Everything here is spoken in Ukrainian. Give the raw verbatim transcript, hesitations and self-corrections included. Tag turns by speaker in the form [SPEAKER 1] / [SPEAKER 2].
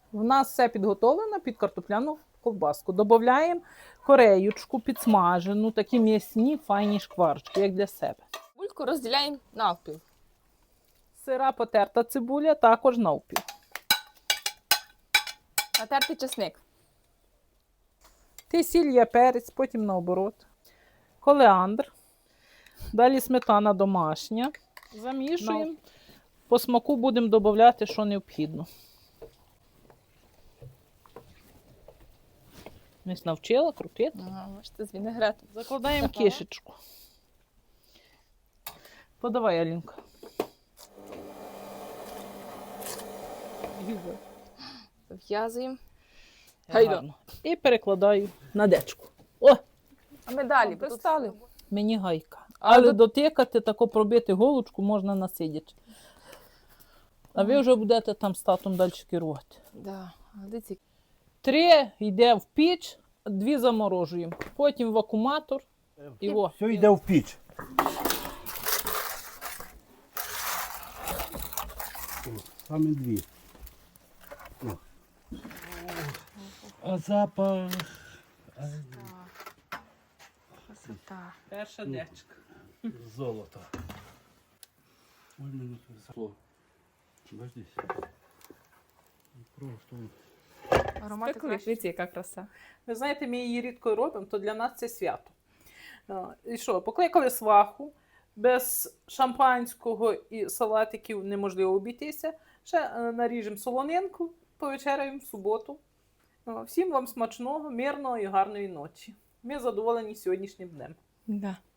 [SPEAKER 1] У нас все підготовлено під картопляну ковбаску. Додаємо кореючку підсмажену, такі м'ясні файні шкварочки, як для себе.
[SPEAKER 2] Бульку розділяємо навпіл.
[SPEAKER 1] Сира потерта цибуля також навпіл.
[SPEAKER 2] Натертий чесник.
[SPEAKER 1] Ти сіль, я перець, потім наоборот. Колеандр. Далі сметана домашня. Замішуємо. По смаку будемо додавати, що необхідно. Мись навчила крутити.
[SPEAKER 2] Ага, бачите, з вінегретом.
[SPEAKER 1] Закладаємо
[SPEAKER 2] Ага.
[SPEAKER 1] кишечку. Подавай, Алінка.
[SPEAKER 2] Зав'язуємо. Гайда.
[SPEAKER 1] Гарно. І перекладаю на дечку. О,
[SPEAKER 2] А ми далі
[SPEAKER 1] Тут
[SPEAKER 2] пристали.
[SPEAKER 1] мені гайка.
[SPEAKER 2] Але
[SPEAKER 1] Але
[SPEAKER 2] тут-
[SPEAKER 1] дотикати, тако пробити голочку можна насидячи. А ви вже будете там з татом далі керувати.
[SPEAKER 2] Да. А дивіться,
[SPEAKER 1] Три йде в піч, дві заморожуємо. Потім в вакууматор. І о.
[SPEAKER 3] Все йде в піч. О, саме дві. О. А запах.
[SPEAKER 2] красота.
[SPEAKER 1] Перша
[SPEAKER 3] Ну.
[SPEAKER 1] дечка.
[SPEAKER 3] Золото. Ой, мене красиво. Бачиш? Просто.
[SPEAKER 2] Аромати
[SPEAKER 1] Спекли.
[SPEAKER 2] краще. Дивіться, яка краса.
[SPEAKER 1] Ви знаєте, ми її рідко робимо, то для нас це свято. А, І що, покликали сваху, без шампанського і салатиків неможливо обійтися. Ще е, наріжемо солонинку, повечеряємо в суботу. А, Всім вам смачного, мирного і гарної ночі. Ми задоволені сьогоднішнім днем.
[SPEAKER 2] Да.